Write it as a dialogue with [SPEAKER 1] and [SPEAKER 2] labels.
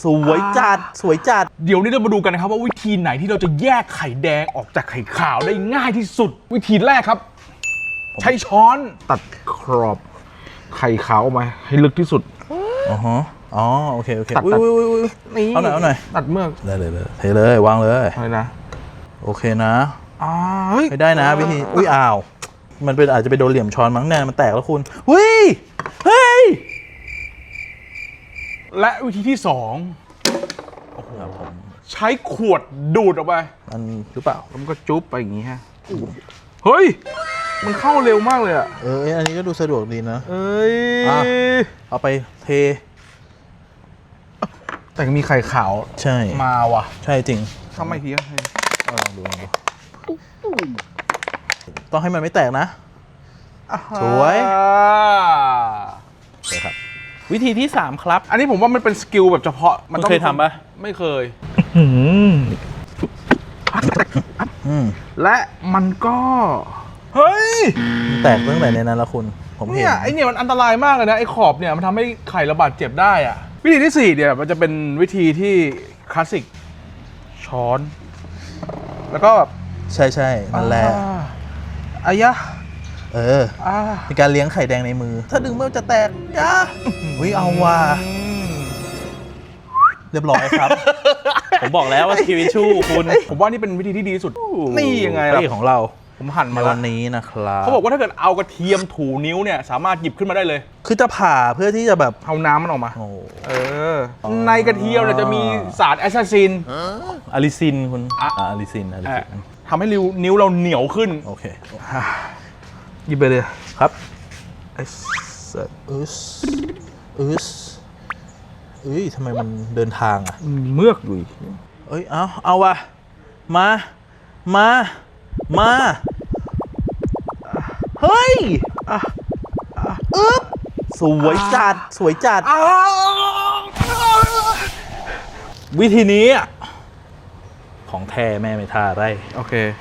[SPEAKER 1] สวยจัดสวยจัด
[SPEAKER 2] เดี๋ยวนี้เรามาดูกันนะครับว่าวิธีไหนที่เราจะแยกไข่แดงออกจากไข่ขาวได้ง่ายที่สุดวิธีแรกครับใช้ช้อนตัดขอบไข่ขาวออกมาให้ลึกที่สุด
[SPEAKER 1] อ๋อโอเค
[SPEAKER 2] ตัด
[SPEAKER 1] นี่เอาหน่อย
[SPEAKER 2] ตัดเมือก
[SPEAKER 1] ได้เลยเทเลยวางเลย
[SPEAKER 2] อะไรนะ
[SPEAKER 1] โอเคนะไม่ได้นะวิธีอ้าวมันเป็นอาจจะไปโดนเหลี่ยมช้อนมั้งแน่มันแตกแล้วคุณเฮ้ย
[SPEAKER 2] และวิธีที่2ใช้ขวดดูดออกไป
[SPEAKER 1] มันหรือเปล่า
[SPEAKER 2] มันก็จุ๊บไปอย่างงี้ฮะเฮ้ยมันเข้าเร็วมากเลยอ่ะ
[SPEAKER 1] อันนี้ก็ดูสะดวกดีนะเอาไปเท
[SPEAKER 2] แต่มีไข่ขาว
[SPEAKER 1] ใช่
[SPEAKER 2] มาว่ะ
[SPEAKER 1] ใช่จริง
[SPEAKER 2] ทำไมที
[SPEAKER 1] ลองดูต้องให้มันไม่แตกนะสวยครับวิธีที่3ครับ
[SPEAKER 2] อันนี้ผมว่ามันเป็นสกิลแบบเฉพาะ
[SPEAKER 1] มันเคยทำปะ
[SPEAKER 2] ไม่เคยและมันก็เฮ้ย
[SPEAKER 1] แตกตั้งแต่ในนั้นแล้วคุณผมเห็น
[SPEAKER 2] ไอเนี่ยมันอันตรายมากเลยนะไอขอบเนี่ยมันทำให้ไข่ระบาดเจ็บได้อะวิธีที่4เนี่ยมันจะเป็นวิธีที่คลาสสิกช้อนแล้วก็แบบ
[SPEAKER 1] ใช่นั่นแหละ
[SPEAKER 2] อายะ
[SPEAKER 1] ในการเลี้ยงไข่แดงในมือถ้าดึงมันจะแตกจ้าเอาว่ะเรียบร้อยครับผมบอกแล้วว่าสกิลวิชูคุณ
[SPEAKER 2] ผมว่านี่เป็นวิธีที่ดีที่สุดนี่ยังไงล่ะ
[SPEAKER 1] ของเรา
[SPEAKER 2] ผมหั่นมา
[SPEAKER 1] วันนี้นะครับ
[SPEAKER 2] เขาบอกว่าถ้าเกิดเอากระเทียมถูนิ้วเนี่ยสามารถหยิบขึ้นมาได้เลย
[SPEAKER 1] คือจะผ่าเพื่อที่จะแบบ
[SPEAKER 2] เอาน้ำมันออกมาในกระเทียมเนี่ยจะมีสารแอสซาซิน
[SPEAKER 1] อะลิซินคุณอะลิซิน
[SPEAKER 2] ทำให้นิ้วเราเหนียวขึ้น
[SPEAKER 1] โอเค
[SPEAKER 2] หยิบไปเลย
[SPEAKER 1] ครับทำไมมันเดินทางอ่ะ
[SPEAKER 2] เมือกอยู่
[SPEAKER 1] เอาว่ะมาเฮ้ยสวยจัดวิธีนี้ของแท้แม่ไม่ท่าไร
[SPEAKER 2] โอเค